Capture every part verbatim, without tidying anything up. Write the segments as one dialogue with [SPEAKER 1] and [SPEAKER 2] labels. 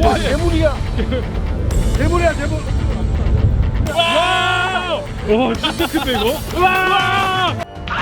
[SPEAKER 1] 와, 대물이야. 대물이야, 대물.
[SPEAKER 2] 와! 와, 진짜 큰데 이거? 와!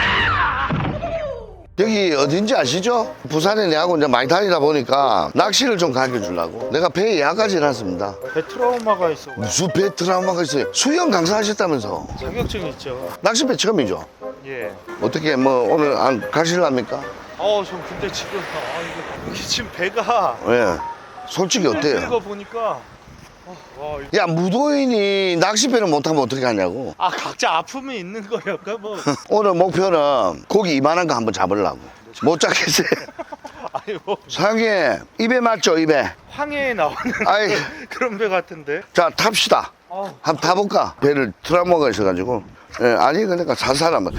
[SPEAKER 3] 여기 어딘지 아시죠? 부산에 내하고 이제 많이 다니다 보니까 낚시를 좀 가르쳐주려고 내가 배에 예약까지 해놨습니다.
[SPEAKER 2] 배 트라우마가 있어.
[SPEAKER 3] 무슨 배 트라우마가 있어요? 수영 강사하셨다면서.
[SPEAKER 2] 자격증 있죠.
[SPEAKER 3] 낚시배 처음이죠?
[SPEAKER 2] 예.
[SPEAKER 3] 어떻게 뭐 오늘 안 가실랍니까?
[SPEAKER 2] 어, 전 근데 지금 아 이거 이게 지금 배가
[SPEAKER 3] 예. 솔직히
[SPEAKER 2] 이거
[SPEAKER 3] 어때요?
[SPEAKER 2] 보니까 어, 와, 이거-
[SPEAKER 3] 야, 무도인이 낚시배를 못하면 어떻게 하냐고.
[SPEAKER 2] 아 각자 아픔이 있는 거였까 뭐.
[SPEAKER 3] 오늘 목표는 고기 이만한 거 한번 잡으려고. 못 잡겠어요.
[SPEAKER 2] 아니 뭐
[SPEAKER 3] 상해 입에 맞죠, 입에?
[SPEAKER 2] 황해에 나오는
[SPEAKER 3] 아이.
[SPEAKER 2] 그런 배 같은데.
[SPEAKER 3] 자, 탑시다.
[SPEAKER 2] 어.
[SPEAKER 3] 한번 타볼까? 배를 트라우마가 있어가지고. 예, 아니, 그러니까 살살 한번.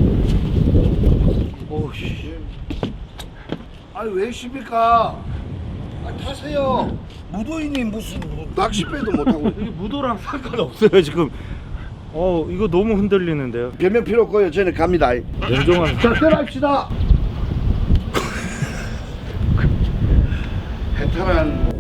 [SPEAKER 2] 오씨.
[SPEAKER 1] 아니, 왜 십니까? 아, 타세요. 무도인이 무슨 낚시배도 못하고.
[SPEAKER 2] 이게 무도랑 상관없어요 지금. 어 이거 너무 흔들리는데요.
[SPEAKER 3] 변명 필요 없고요. 저는 갑니다.
[SPEAKER 2] 냉정한.
[SPEAKER 1] 자, 떠납시다.
[SPEAKER 3] 베테랑.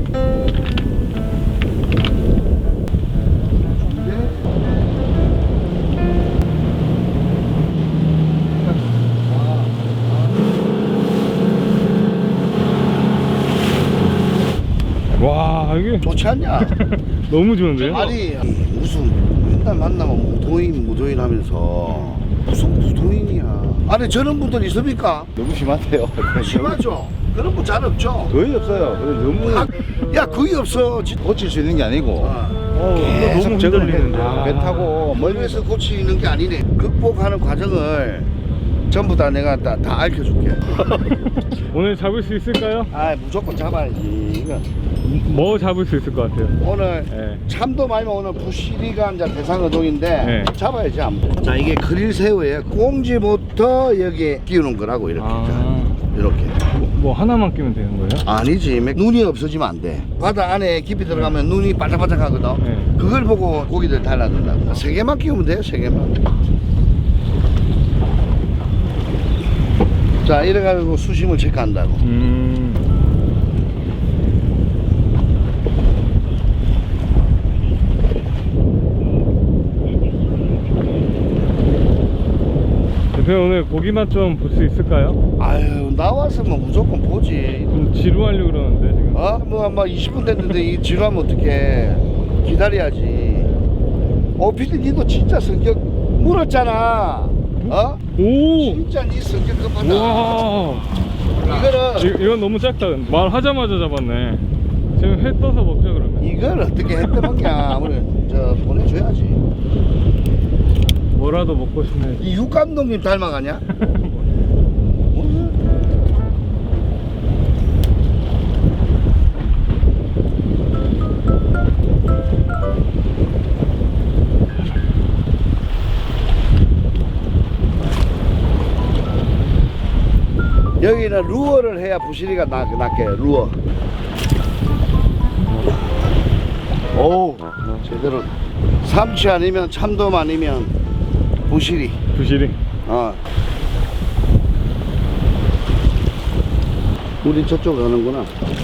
[SPEAKER 2] 와 이게
[SPEAKER 3] 좋지 않냐?
[SPEAKER 2] 너무 좋은데요?
[SPEAKER 3] 아니, 무슨 맨날 만나면 무도인, 무도인 하면서 무슨 무도인이야. 아니, 저런 분들 있습니까?
[SPEAKER 4] 너무 심한데요.
[SPEAKER 3] 심하죠? 그런 분 잘 없죠?
[SPEAKER 4] 거의 없어요. 그래서 너무
[SPEAKER 3] 아, 야, 거의 없어. 진-
[SPEAKER 4] 고칠 수 있는 게 아니고
[SPEAKER 2] 어 이거
[SPEAKER 4] 계속
[SPEAKER 2] 너무
[SPEAKER 4] 적응을
[SPEAKER 2] 흔들리는데.
[SPEAKER 4] 해야 배 타고
[SPEAKER 3] 멀리서
[SPEAKER 4] 멀리서
[SPEAKER 3] 고치는 게 아니네. 극복하는 과정을 전부 다 내가 다, 다 알려줄게.
[SPEAKER 2] 오늘 잡을 수 있을까요?
[SPEAKER 3] 아, 무조건 잡아야지. 이거
[SPEAKER 2] 뭐 잡을 수 있을 것 같아요?
[SPEAKER 3] 오늘
[SPEAKER 2] 예.
[SPEAKER 3] 참도 말면 오늘 부시리가 이제 대상어동인데
[SPEAKER 2] 네.
[SPEAKER 3] 잡아야지 아무튼. 자, 이게 그릴 새우에 꽁지부터 여기 끼우는 거라고 이렇게.
[SPEAKER 2] 아.
[SPEAKER 3] 자, 이렇게.
[SPEAKER 2] 뭐, 뭐 하나만 끼면 되는 거예요?
[SPEAKER 3] 아니지. 눈이 없어지면 안 돼. 바다 안에 깊이 들어가면 눈이 반짝반짝하거든.
[SPEAKER 2] 네.
[SPEAKER 3] 그걸 보고 고기들 달라든다. 세 개만 끼우면 돼요. 세 개만. 자, 이래가지고 수심을 체크한다고.
[SPEAKER 2] 음. 대표 오늘 고기 맛 좀 볼 수 있을까요?
[SPEAKER 3] 아유, 나왔으면 무조건 보지.
[SPEAKER 2] 좀 지루하려고 그러는데 지금.
[SPEAKER 3] 어? 뭐, 아마 이십 분 됐는데 이 지루하면 어떡해. 기다려야지. 어, 피디, 니도 진짜 성격 물었잖아. 어?
[SPEAKER 2] 오!
[SPEAKER 3] 진짜 니 성격 급하다.
[SPEAKER 2] 와!
[SPEAKER 3] 이거를,
[SPEAKER 2] 이, 이건 너무 작다. 말하자마자 잡았네. 지금 회 떠서 먹자 그러면.
[SPEAKER 3] 이걸 어떻게 했더만냐. 오늘 저 보내줘야지.
[SPEAKER 2] 뭐라도 먹고 싶네.
[SPEAKER 3] 이 육 감독님 닮아가냐? 여기는 루어를 해야 부시리가 나, 낫게. 루어. 오, 제대로. 삼치 아니면 참돔 아니면 부시리.
[SPEAKER 2] 부시리.
[SPEAKER 3] 어. 우리 저쪽 가는구나.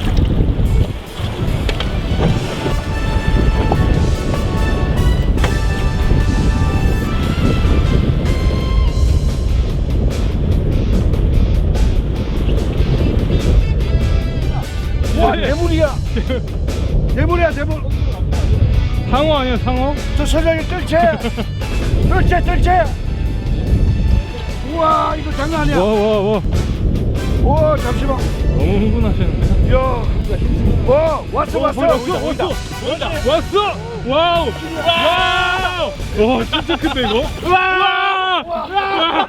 [SPEAKER 1] 와, 대물이야. 대물이야, 대물.
[SPEAKER 2] 상어 아니야 상어?
[SPEAKER 1] 저 서장이 뜰채. 뜰채, 뜰채. 우와, 이거 장난 아니야.
[SPEAKER 2] 와 와 와.
[SPEAKER 1] 와, 잠시만.
[SPEAKER 2] 너무 흥분하시는데.
[SPEAKER 1] 야, 와, 왔어, 왔어.
[SPEAKER 2] 왔어 왔어 왔어. 와우 와우. 와 진짜 큰데 이거. 와. 와.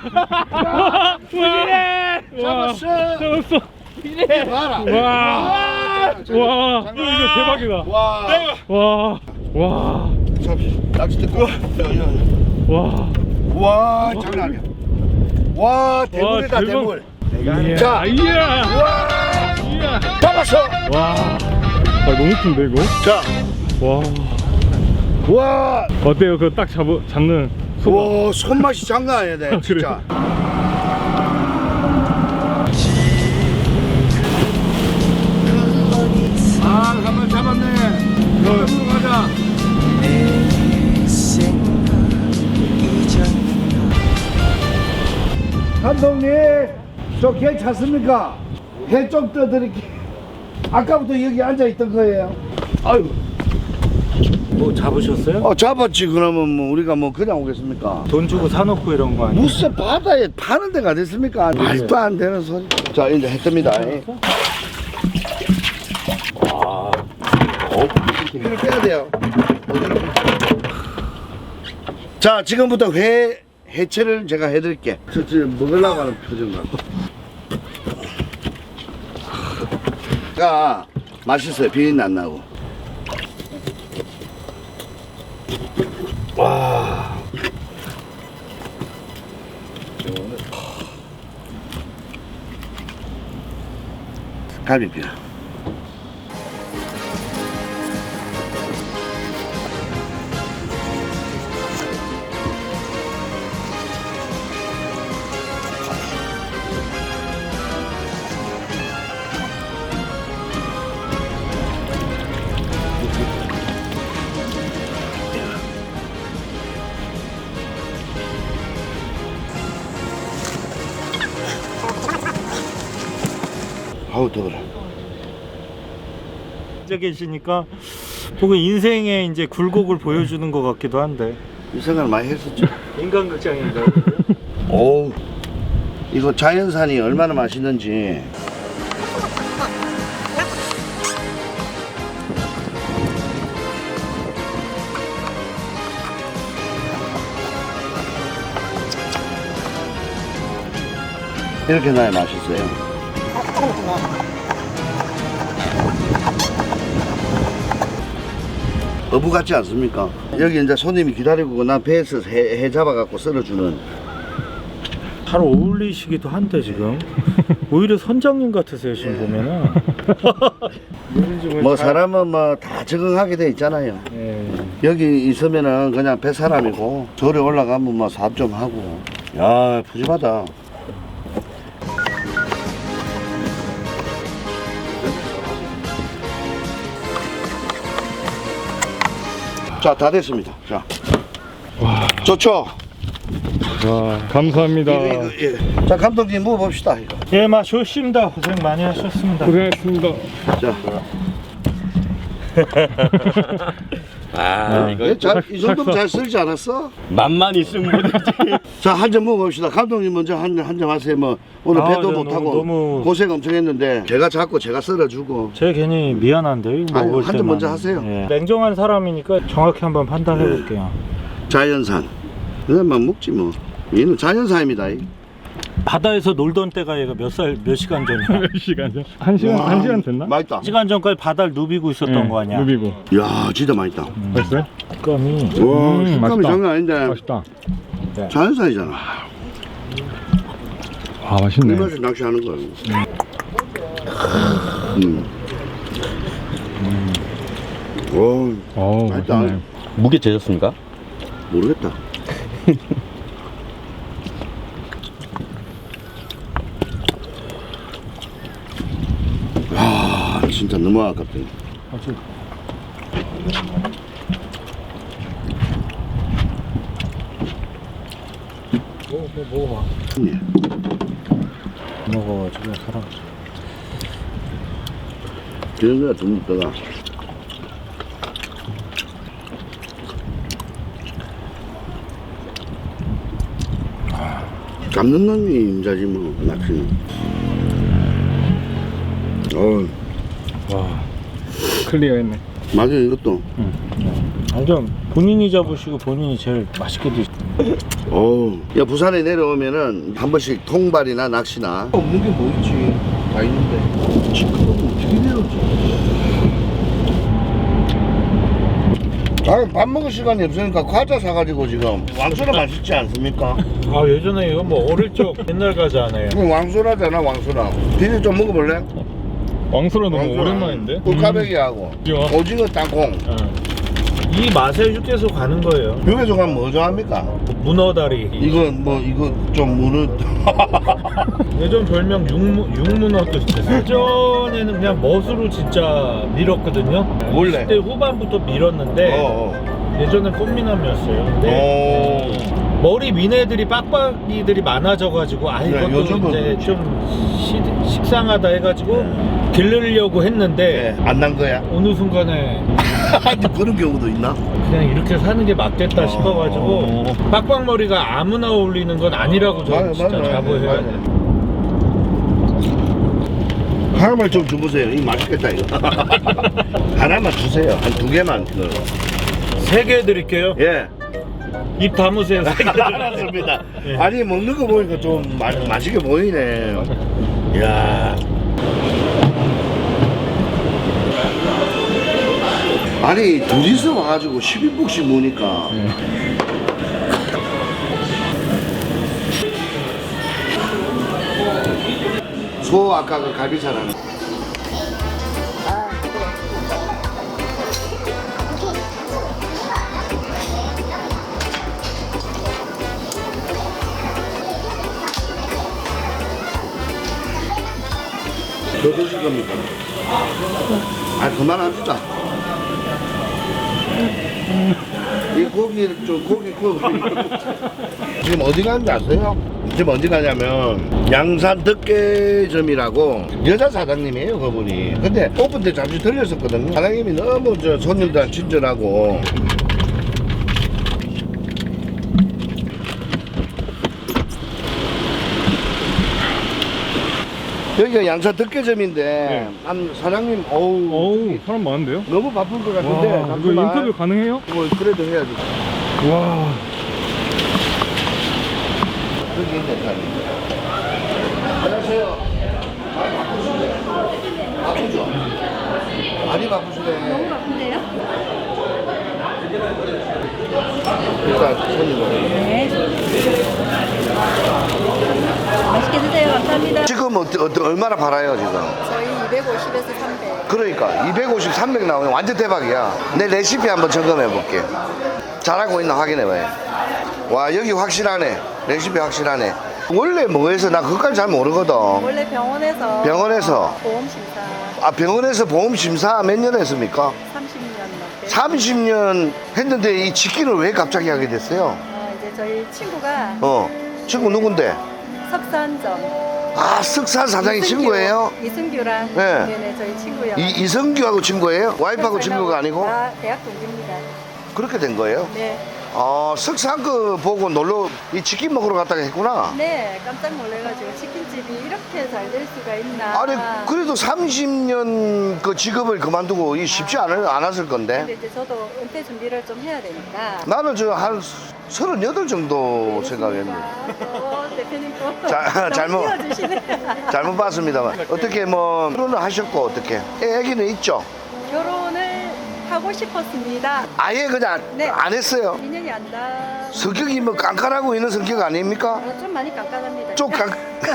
[SPEAKER 2] 부시리.
[SPEAKER 1] 잡았어.
[SPEAKER 2] 잡았어.
[SPEAKER 3] 봐라.
[SPEAKER 2] 와. 와. 이거 이거 대박이다.
[SPEAKER 3] 와.
[SPEAKER 2] 와. 와.
[SPEAKER 3] 잠시. 낚시 뜯고. 야, 야, 야.
[SPEAKER 2] 와.
[SPEAKER 3] 와, 장난 아니야. 와, 대물이다,
[SPEAKER 2] 와, 대박.
[SPEAKER 3] 대물.
[SPEAKER 2] 이야.
[SPEAKER 3] 자.
[SPEAKER 2] 이야.
[SPEAKER 3] 와,
[SPEAKER 2] 이야.
[SPEAKER 3] 잡았어.
[SPEAKER 2] 와. 아 너무 큰데 이거?
[SPEAKER 3] 자,
[SPEAKER 2] 와.
[SPEAKER 3] 와,
[SPEAKER 2] 어때요? 그거 딱 잡 잡는 소감.
[SPEAKER 3] 와, 손맛이 장난 아니야, 내,
[SPEAKER 2] 그래.
[SPEAKER 3] 진짜. 아, 한번
[SPEAKER 1] 잡았네. 바닷물로 가자. 감독님, 저 괜찮습니까? 해 좀 떠드릴게. 아까부터 여기 앉아 있던 거예요. 아유.
[SPEAKER 2] 뭐 잡으셨어요?
[SPEAKER 3] 어, 잡았지. 그러면 뭐 우리가 뭐 그냥 오겠습니까?
[SPEAKER 2] 돈 주고 사놓고 이런 거 아니에요?
[SPEAKER 3] 무슨 바다에 파는 데가 됐습니까? 말도 안 되는 소리. 자, 이제 해 뜹니다. 아, 피를 빼야 돼요. 자, 지금부터 회 해체를 제가 해드릴게. 저, 저 먹으려고 하는 표정만. 야, 맛있어요. 비린 안 나고. 와. 갈비뼈. 아우 더워라.
[SPEAKER 2] 앉아 계시니까 보고 인생의 이제 굴곡을 보여주는 것 같기도 한데.
[SPEAKER 3] 이 생각 많이 했었죠.
[SPEAKER 2] 인간극장인가요?
[SPEAKER 3] 오, 이거 자연산이 얼마나 맛있는지. 이렇게 놔야 맛있어요. 어부 같지 않습니까? 여기 이제 손님이 기다리고 난 배에서 해, 해 잡아갖고 썰어주는.
[SPEAKER 2] 잘 어울리시기도 한데 지금 오히려 선장님 같으세요 지금 보면은.
[SPEAKER 3] 뭐 사람은 뭐 다 적응하게 돼 있잖아요.
[SPEAKER 2] 예.
[SPEAKER 3] 여기 있으면은 그냥 배 사람이고 절에 올라가면 뭐 사업 좀 하고. 야, 푸짐하다. 자, 다 됐습니다. 자,
[SPEAKER 5] 와,
[SPEAKER 3] 좋죠?
[SPEAKER 5] 와, 감사합니다.
[SPEAKER 3] 이거, 이거, 예. 자, 감독님 먹어봅시다. 이거.
[SPEAKER 2] 예, 맛 좋습니다. 고생 많이 하셨습니다.
[SPEAKER 5] 고생했습니다.
[SPEAKER 3] 자,
[SPEAKER 6] 아, 이거
[SPEAKER 3] 예, 잘, 이 정도면 잘 썰지 않았어?
[SPEAKER 6] 맛만 있으면 뭐든지.
[SPEAKER 3] 자, 한 잔 먹어봅시다. 감독님 먼저 한, 한 잔 하세요. 뭐 오늘
[SPEAKER 2] 아,
[SPEAKER 3] 배도
[SPEAKER 2] 네,
[SPEAKER 3] 못 타고
[SPEAKER 2] 너무- 너무-
[SPEAKER 3] 고생 엄청 했는데 제가 잡고 제가 썰어주고.
[SPEAKER 2] 제가 괜히 미안한데요. 이거
[SPEAKER 3] 아니,
[SPEAKER 2] 먹을
[SPEAKER 3] 한잔
[SPEAKER 2] 때만.
[SPEAKER 3] 먼저 하세요.
[SPEAKER 2] 예. 냉정한 사람이니까 정확히 한번 판단해 볼게요.
[SPEAKER 3] 자연산. 그냥만 먹지 뭐. 얘는 자연산입니다. 이.
[SPEAKER 2] 바다에서 놀던 때가 얘가 몇 살, 몇 시간 전이야?
[SPEAKER 5] 몇 시간 전? 한 시간,
[SPEAKER 3] 와,
[SPEAKER 5] 한 시간 됐나?
[SPEAKER 3] 맛있다.
[SPEAKER 2] 시간 전까지 바다를 누비고 있었던
[SPEAKER 5] 예,
[SPEAKER 2] 거 아니야?
[SPEAKER 5] 누비고.
[SPEAKER 3] 이야, 진짜 맛있다.
[SPEAKER 5] 맛있어요?
[SPEAKER 2] 식감이.
[SPEAKER 3] 와,
[SPEAKER 5] 음,
[SPEAKER 3] 식감이
[SPEAKER 5] 맛있다.
[SPEAKER 3] 장난 아닌데.
[SPEAKER 5] 맛있다.
[SPEAKER 3] 자연산이잖아.
[SPEAKER 5] 아,
[SPEAKER 3] 이
[SPEAKER 5] 맛있네.
[SPEAKER 3] 맛에 낚시하는 거야. 음. 오,
[SPEAKER 5] 어,
[SPEAKER 3] 맛있다.
[SPEAKER 5] 맛있네.
[SPEAKER 6] 무게 재셨습니까?
[SPEAKER 3] 모르겠다. 아, 진짜 너무 아깝다.
[SPEAKER 2] 뭐, 뭐 먹어봐.
[SPEAKER 3] 예.
[SPEAKER 2] 먹어가지고 사람.
[SPEAKER 3] 그런 거야, 돈 먹다가. 잡는 놈이 임자지 뭐, 낚시는. 어,
[SPEAKER 2] 와.
[SPEAKER 5] 클리어했네.
[SPEAKER 3] 맞아, 이것도.
[SPEAKER 2] 완전 본인이 잡으시고 본인이 제일 맛있게 드시.
[SPEAKER 3] 어, 야, 부산에 내려오면은 한 번씩 통발이나 낚시나. 없는 게 뭐 있지? 다 있는데. 지금 어떻게 내려오지? 아, 밥 먹을 시간이 없으니까 과자 사가지고 지금 왕소라 맛있지 않습니까?
[SPEAKER 2] 아 예전에 이거 뭐 어릴 적 옛날 과자 아니에요?
[SPEAKER 3] 이거 왕소라잖아, 왕소라. 비리 좀 먹어볼래?
[SPEAKER 5] 왕소라 너무
[SPEAKER 3] 왕소라.
[SPEAKER 5] 오랜만인데?
[SPEAKER 3] 꿀까베기하고
[SPEAKER 5] 오징어.
[SPEAKER 3] 오징어 땅콩.
[SPEAKER 5] 어.
[SPEAKER 2] 이 맛에 육개소 가는 거예요.
[SPEAKER 3] 육에서 가면 뭐 좋아합니까?
[SPEAKER 2] 문어다리.
[SPEAKER 3] 이거 뭐 이거 좀 무는
[SPEAKER 2] 예전 별명 육문, 육문어도 있었어요. 예전에는 그냥 멋으로 진짜 밀었거든요.
[SPEAKER 3] 원래?
[SPEAKER 2] 이십 대 후반부터 밀었는데
[SPEAKER 3] 어, 어.
[SPEAKER 2] 예전엔 꽃미남이었어요. 근데
[SPEAKER 3] 오.
[SPEAKER 2] 머리 민 애들이 빡빡이들이 많아져가지고 아
[SPEAKER 3] 네,
[SPEAKER 2] 이것도
[SPEAKER 3] 요즘은
[SPEAKER 2] 이제
[SPEAKER 3] 그렇지.
[SPEAKER 2] 좀 시, 식상하다 해가지고 기르려고 했는데
[SPEAKER 3] 네, 안 난 거야?
[SPEAKER 2] 어느 순간에
[SPEAKER 3] 그런 경우도 있나?
[SPEAKER 2] 그냥 이렇게 사는 게 맞겠다
[SPEAKER 3] 어.
[SPEAKER 2] 싶어가지고 빡빡머리가 아무나 어울리는 건 아니라고 저는
[SPEAKER 3] 맞아,
[SPEAKER 2] 진짜
[SPEAKER 3] 맞아,
[SPEAKER 2] 자부해야
[SPEAKER 3] 맞아.
[SPEAKER 2] 돼.
[SPEAKER 3] 하나만 좀 주보세요. 이 맛있겠다 이거. 하나만 주세요. 한 두 개만. 그.
[SPEAKER 2] 세 개 드릴게요.
[SPEAKER 3] 예.
[SPEAKER 2] 입 다무세요. 세 개.
[SPEAKER 3] 알았습니다.
[SPEAKER 2] 예.
[SPEAKER 3] 아니 먹는 거 보니까 좀 마, 맛있게 보이네. 이야. 아니 둘이서 와가지고 십 인분씩 모니까 소 아까 그 갈비살하는 더 드실 겁니까? 아 그만합시다. 이 고기 좀 고기 고기 지금 어디 가는지 아세요? 지금 어디 가냐면 양산 덕계점이라고 여자 사장님이에요 그분이. 근데 오픈 때 잠시 들렸었거든요. 사장님이 너무 저 손님들한테 친절하고 여기가 양산 덕계점인데
[SPEAKER 5] 네.
[SPEAKER 3] 한 사장님 어우
[SPEAKER 5] 어우, 사람 많은데요?
[SPEAKER 3] 너무 바쁜 것 같은데
[SPEAKER 5] 와, 이거
[SPEAKER 3] 잠시만.
[SPEAKER 5] 인터뷰 가능해요?
[SPEAKER 3] 뭐 그래도 해야지.
[SPEAKER 5] 와,
[SPEAKER 3] 여기 있네 사장님. 안녕하세요. 많이 바쁘시네. 바쁘죠? 많이 바쁘시네.
[SPEAKER 7] 너무 바쁜데요?
[SPEAKER 3] 일단 손님으로.
[SPEAKER 7] 네. 맛있게 드세요. 감사합니다.
[SPEAKER 3] 지금 어떠, 어떠, 얼마나 팔아요 지금?
[SPEAKER 7] 저희 이백오십에서 삼백.
[SPEAKER 3] 그러니까 이백오십, 삼백 나오면 완전 대박이야. 내 레시피 한번 점검해 볼게. 잘하고 있나 확인해 봐요. 와 여기 확실하네. 레시피 확실하네. 원래 뭐해서 나 그것까지 잘 모르거든.
[SPEAKER 7] 원래 병원에서
[SPEAKER 3] 병원에서
[SPEAKER 7] 보험 심사
[SPEAKER 3] 아 병원에서 보험 심사 몇 년 했습니까?
[SPEAKER 7] 삼십 년 넘게.
[SPEAKER 3] 삼십 년 했는데 이 직기를 왜 갑자기 하게 됐어요?
[SPEAKER 7] 어, 이제 저희 친구가
[SPEAKER 3] 어 친구 누군데?
[SPEAKER 7] 석산점
[SPEAKER 3] 아 쓱산 사장이
[SPEAKER 7] 이승규,
[SPEAKER 3] 친구예요?
[SPEAKER 7] 이승규랑
[SPEAKER 3] 네.
[SPEAKER 7] 네네 저희 친구요.
[SPEAKER 3] 이, 이성규하고 친구예요? 와이프하고 친구가 아니고?
[SPEAKER 7] 다 대학 동기입니다.
[SPEAKER 3] 그렇게 된 거예요?
[SPEAKER 7] 네.
[SPEAKER 3] 아 석산 그 보고 놀러 이 치킨 먹으러 갔다가 했구나.
[SPEAKER 7] 네 깜짝 놀래가지고 치킨집이 이렇게 잘 될 수가 있나.
[SPEAKER 3] 아니 그래도 삼십 년 그 직업을 그만두고 이 쉽지 않을, 않았을 건데
[SPEAKER 7] 근데 이제 저도 은퇴 준비를 좀 해야 되니까.
[SPEAKER 3] 나는 저 한 서른여덟 정도 생각했는데
[SPEAKER 7] 어, 대표님 또
[SPEAKER 3] 자,
[SPEAKER 7] 너무
[SPEAKER 3] 잘못.
[SPEAKER 7] 띄워주시네.
[SPEAKER 3] 잘못 봤습니다만 어떻게 뭐 결혼을 하셨고 어떻게 애, 애기는 있죠?
[SPEAKER 7] 결혼을 하고 싶었습니다.
[SPEAKER 3] 아예 그냥
[SPEAKER 7] 네.
[SPEAKER 3] 안 했어요.
[SPEAKER 7] 인연이 안 닿.
[SPEAKER 3] 성격이 뭐 깐깐하고 있는 성격 아닙니까?
[SPEAKER 7] 어, 좀 많이 깜깜합니다.
[SPEAKER 3] 좀 깐...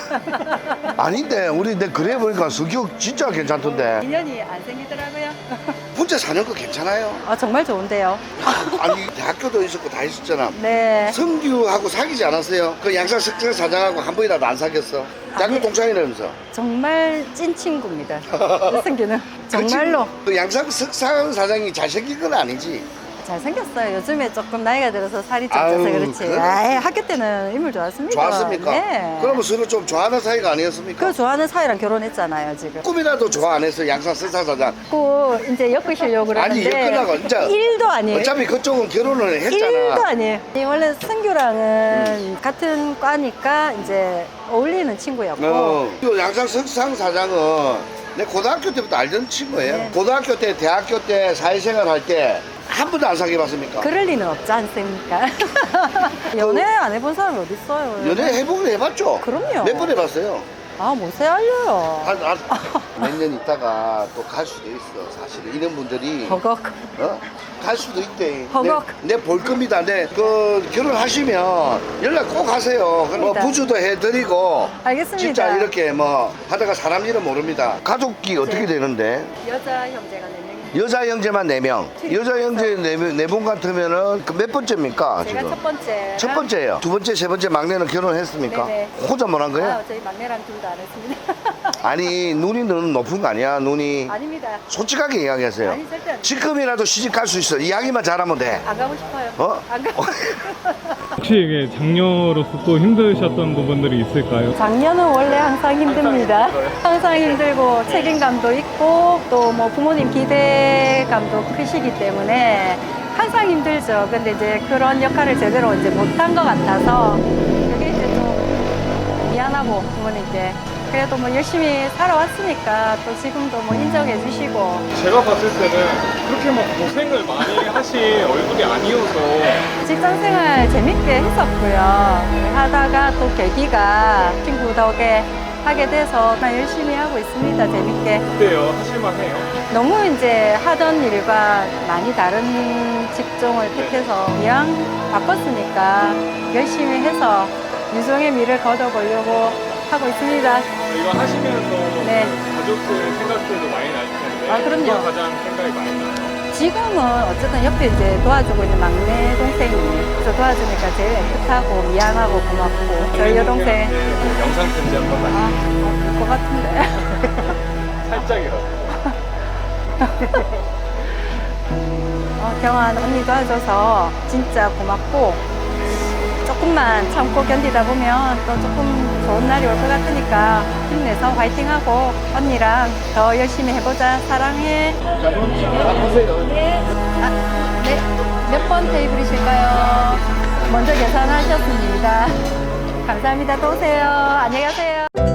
[SPEAKER 3] 아닌데 우리 내 그래 보니까 성격 진짜 괜찮던데
[SPEAKER 7] 인연이 안 생기더라고요.
[SPEAKER 3] 혼자 사는 거 괜찮아요?
[SPEAKER 7] 아 정말 좋은데요.
[SPEAKER 3] 아니 대학교도 있었고 다 있었잖아.
[SPEAKER 7] 네.
[SPEAKER 3] 성규하고 사귀지 않았어요? 그 양산 석산 사장하고 한 번이라도 안 사귀었어? 대학교 동창이라면서.
[SPEAKER 7] 정말 찐 친구입니다. 승규는 정말로
[SPEAKER 3] 그 양산 석산 사장이 잘생긴 건 아니지?
[SPEAKER 7] 잘생겼어요. 요즘에 조금 나이가 들어서 살이 좀
[SPEAKER 3] 아유,
[SPEAKER 7] 쪄서 그렇지.
[SPEAKER 3] 그래?
[SPEAKER 7] 아이, 학교 때는 인물 좋았습니다.
[SPEAKER 3] 좋았습니까?
[SPEAKER 7] 네.
[SPEAKER 3] 그러면 서로 좀 좋아하는 사이가 아니었습니까?
[SPEAKER 7] 그 좋아하는 사이랑 결혼했잖아요 지금.
[SPEAKER 3] 꿈이라도 좋아 안 했어 양산 석산 사장.
[SPEAKER 7] 그 이제 엮으시려고
[SPEAKER 3] 아니,
[SPEAKER 7] 그러는데
[SPEAKER 3] 엮으려고 진짜.
[SPEAKER 7] 일도 아니에요.
[SPEAKER 3] 어차피 그쪽은 결혼을 했잖아.
[SPEAKER 7] 일도 아니에요. 이 원래 승규랑은 같은 과니까 이제 어울리는 친구였고
[SPEAKER 3] 어. 그 양산 석상 사장은 내 고등학교 때부터 알던 친구예요.
[SPEAKER 7] 네.
[SPEAKER 3] 고등학교 때, 대학교 때, 사회생활 할 때 한 번도 안 사귀어봤습니까?
[SPEAKER 7] 그럴 리는 없지 않습니까? 연애 안 해본 사람이 어디 있어요?
[SPEAKER 3] 연애 해보긴 해봤죠?
[SPEAKER 7] 그럼요.
[SPEAKER 3] 몇 번 해봤어요?
[SPEAKER 7] 아, 못세 알려요.
[SPEAKER 3] 한, 한, 몇 년 있다가 또 갈 수도 있어. 사실은 이런 분들이
[SPEAKER 7] 허걱.
[SPEAKER 3] 어? 갈 수도 있대.
[SPEAKER 7] 허걱.
[SPEAKER 3] 내 볼 겁니다. 내 그 결혼하시면 연락 꼭 하세요. 그럼 뭐
[SPEAKER 7] 그러니까.
[SPEAKER 3] 부주도 해드리고
[SPEAKER 7] 알겠습니다.
[SPEAKER 3] 진짜 이렇게 뭐 하다가 사람 일은 모릅니다. 가족이 어떻게
[SPEAKER 7] 네.
[SPEAKER 3] 되는데?
[SPEAKER 7] 여자 형제가 네 명입니다.
[SPEAKER 3] 여자 형제만 네 명. 여자 형제 네분 같으면은 그 몇 번째입니까?
[SPEAKER 7] 제가
[SPEAKER 3] 지금?
[SPEAKER 7] 첫 번째.
[SPEAKER 3] 첫 번째예요. 두 번째, 세 번째 막내는 결혼했습니까?
[SPEAKER 7] 네네.
[SPEAKER 3] 혼자 못 한 거예요?
[SPEAKER 7] 아, 저희 막내랑 둘 다 안 했습니다.
[SPEAKER 3] 아니 눈이 너무 높은 거 아니야? 눈이
[SPEAKER 7] 아닙니다.
[SPEAKER 3] 솔직하게 이야기하세요.
[SPEAKER 7] 아니, 절대 안
[SPEAKER 3] 지금이라도 시집 갈 수 있어. 이야기만 잘하면 돼.
[SPEAKER 7] 안 가고 싶어요.
[SPEAKER 3] 어?
[SPEAKER 7] 안 가고
[SPEAKER 5] 혹시 이게 장녀로서 또 힘드셨던 부분들이 있을까요?
[SPEAKER 7] 작년은 원래 항상 힘듭니다. 항상 힘들고 책임감도 있고 또 뭐 부모님 기대감도 크시기 때문에 항상 힘들죠. 근데 이제 그런 역할을 제대로 이제 못한 것 같아서 그게 이제 좀 미안하고 부모님께 그래도 뭐 열심히 살아왔으니까 또 지금도 뭐 인정해 주시고
[SPEAKER 5] 제가 봤을 때는 그렇게 막 고생을 많이 하신 얼굴이 아니어서
[SPEAKER 7] 직장 생활 재밌게 했었고요. 하다가 또 계기가 친구 덕에 하게 돼서 나 열심히 하고 있습니다. 재밌게.
[SPEAKER 5] 어때요? 하실만해요?
[SPEAKER 7] 너무 이제 하던 일과 많이 다른 직종을 택해서 이왕 바꿨으니까 열심히 해서 유종의 미를 거둬보려고 하고 있습니다.
[SPEAKER 5] 이거 하시면서
[SPEAKER 7] 네.
[SPEAKER 5] 가족들 생각들도 많이 날 텐데
[SPEAKER 7] 아, 그럼요.
[SPEAKER 5] 누가 가장 생각이 많이 나요?
[SPEAKER 7] 지금은 어쨌든 옆에 이제 도와주고 있는 막내 동생이 그래서 도와주니까 제일 애틋하고 미안하고 고맙고 저희 여동생
[SPEAKER 5] 영상 편지 한 번만
[SPEAKER 7] 아, 어, 것 같은데.
[SPEAKER 5] 살짝이라도
[SPEAKER 7] 어, 경환 언니 도와줘서 진짜 고맙고 조금만 참고 견디다 보면 또 조금 좋은 날이 올 것 같으니까 힘내서 화이팅하고 언니랑 더 열심히 해보자. 사랑해. 네. 아, 네. 몇 번 테이블이실까요? 먼저 계산하셨습니다. 감사합니다. 또 오세요. 안녕히 가세요.